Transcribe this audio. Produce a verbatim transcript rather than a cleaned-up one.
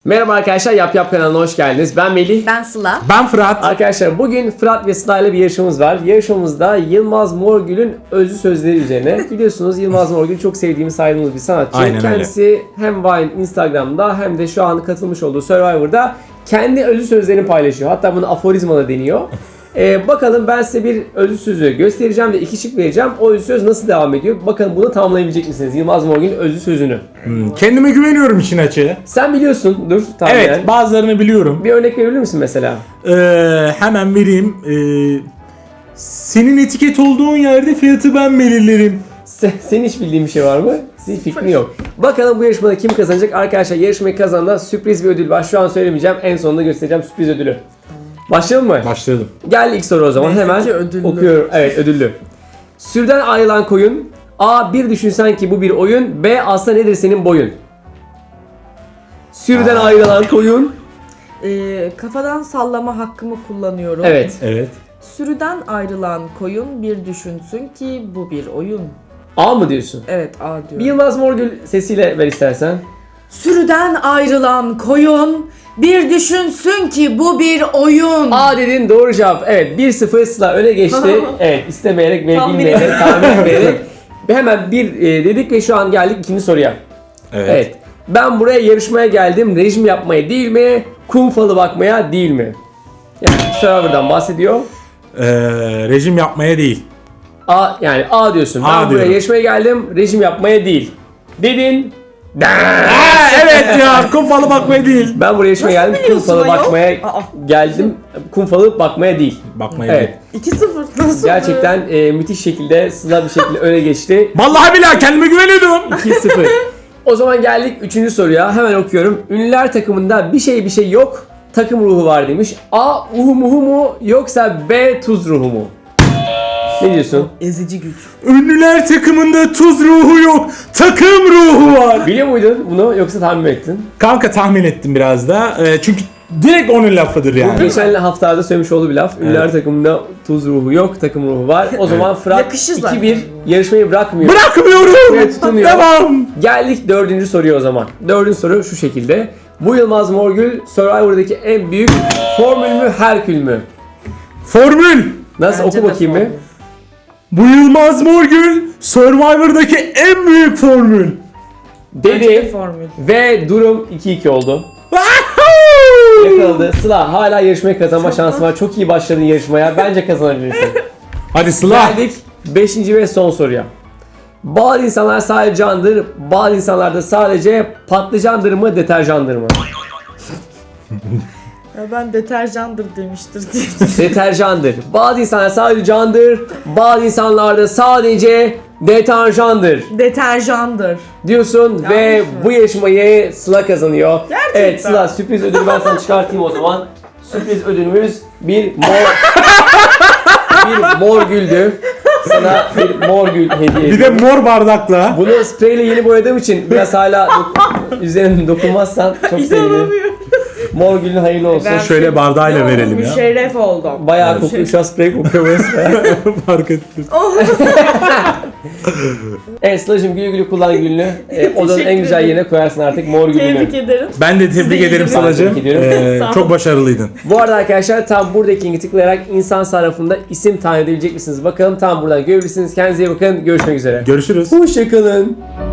Merhaba arkadaşlar, Yap Yap kanalına hoş geldiniz. Ben Melih. Ben Sıla. Ben Fırat. Arkadaşlar bugün Fırat ve Sıla ile bir yarışmamız var. Yarışmamızda Yılmaz Morgül'ün özlü sözleri üzerine. Biliyorsunuz Yılmaz Morgül çok sevdiğimiz, saydığımız bir sanatçı. Aynen Kendisi öyle. hem Vine, Instagram'da hem de şu an katılmış olduğu Survivor'da kendi özlü sözlerini paylaşıyor. Hatta bunu aforizma da deniyor. Ee, bakalım ben size bir özlü sözü göstereceğim ve iki şık vereceğim. O özlü söz nasıl devam ediyor? Bakalım bunu tamamlayabilecek misiniz? Yılmaz Morgül'ün özlü sözünü. Hmm, kendime güveniyorum işin açığı. Sen biliyorsun. Dur. Tamam. Evet, bazılarını biliyorum. Bir örnek verebilir misin mesela? Ee, hemen vereyim. Ee, senin etiket olduğun yerde fiyatı ben belirlerim. Sen, senin hiç bildiğin bir şey var mı? Senin fikrin yok. Bakalım bu yarışmada kim kazanacak? Arkadaşlar yarışmayı kazananda sürpriz bir ödül var. Şu an söylemeyeceğim. En sonunda göstereceğim sürpriz ödülü. Başlayalım mı? Başlayalım. Gel ilk soru o zaman. Neyse Hemen ki ödüllü. okuyorum. Evet, ödüllü. Sürüden ayrılan koyun. A. Bir düşünsen ki bu bir oyun. B. Aslında nedir senin boyun? Sürüden Aa. ayrılan koyun. Ee, kafadan sallama hakkımı kullanıyorum. Evet. Evet. Sürüden ayrılan koyun bir düşünsün ki bu bir oyun. A mı diyorsun? Evet, A Bir diyorum. Yılmaz Morgül sesiyle ver istersen. Sürüden ayrılan koyun bir düşünsün ki bu bir oyun. A dedin, doğru cevap. Evet, bir sıfır Sıla öne geçti. Evet, istemeyerek ve Tahmin bilmeyerek, ederek. tahmin etmeyerek. Ve hemen bir e, dedik ve şu an geldik ikinci soruya. Evet. Evet. Ben buraya yarışmaya geldim. Rejim yapmaya değil mi? Kum falı bakmaya değil mi? Yani Survivor'dan bahsediyor. Ee, rejim yapmaya değil. A yani A diyorsun. Ben A buraya diyorum. yarışmaya geldim. Rejim yapmaya değil. Dedin. Aa, evet ya, kum falı bakmaya değil. Ben buraya yarışmaya Nasıl geldim. Kum biliyorsun falı ayol? bakmaya Aa. geldim. Kum falı bakmaya değil. Bakmaya Evet. değil. iki sıfır nasıl? Gerçekten e, müthiş şekilde, Sıla bir şekilde öne geçti. Vallahi billahi kendime güveniyordum. iki sıfır. O zaman geldik üçüncü soruya. Hemen okuyorum. Ünlüler takımında bir şey bir şey yok. Takım ruhu var demiş. A. Uhu muhu mu yoksa B. Tuz ruhu mu? Ne diyorsun? Ezici güç. Ünlüler takımında tuz ruhu yok. Takım ruhu var. Biliyor muydun bunu yoksa tahmin mi ettin? Kanka tahmin ettim biraz da. Ee, çünkü direkt onun lafıdır Bu yani. geçen haftalarda söylemiş olduğu bir laf. Ünlüler takımında tuz ruhu yok, takım ruhu var. O zaman Fırat Yakışır zaten. iki bir yarışmayı bırakmıyor. Bırakmıyorum. Evet, tutunuyor. Devam. Geldik dördüncü soruya o zaman. Dördüncü soru şu şekilde. Bu Yılmaz Morgül Survivor'daki en büyük formül mü, Herkül mü? Formül. Nasıl? Bence Oku de bakayım bir. formül. Bu Yılmaz Morgül Survivor'daki en büyük formül. Bence de Dedi formül. ve durum iki iki oldu. Yakaladı. Sıla hala yarışmayı kazanma şansı var. Çok iyi başladın yarışmaya. Bence kazanabilirsin. Hadi Sıla. Geldik beşinci ve son soruya. Bazı insanlar sadece candır, bazı insanlar da sadece patlıcandır mı, deterjandır mı? Ya ben deterjandır demiştir diye. Deterjandır. Bazı insanlar sadece candır, bazı insanlar da sadece deterjandır Deterjandır. diyorsun. Yanlış Ve mı? bu yarışmayı Sıla kazanıyor. Gerçekten. Evet Sıla, sürpriz ödülü ben sana çıkartayım o zaman. Sürpriz ödülümüz bir mor bir mor güldü. Sana bir mor gül hediye Bir de ediyorum. mor bardakla. Bunu spreyle yeni boyadığım için biraz hala dok- üzerine dokunmazsan çok sevinirim. İnanamıyorum. Mor gülün hayırlı olsun. Ben Şöyle bardağıyla verelim ya. Müşerref oldum. Bayağı Evet. kokuyor, şu an sprey kokuyor burası. Fark ettim. Oh. Evet Sıla'cığım, güle güle kullan gülünü. Ee, odanın Teşekkür en güzel ederim. yerine koyarsın artık mor gülünü. Tebrik ederim. Ben de Siz de tebrik iyi ederim günler. Sıla'cığım. Tebrik ediyorum. Ee, Sağ ol. çok başarılıydın. Bu arada arkadaşlar tam buradaki linki tıklayarak insan sarrafında isim tayin edebilecek misiniz? Bakalım tam buradan görebilirsiniz. Kendinize iyi bakın. Görüşmek üzere. Görüşürüz. Hoşçakalın.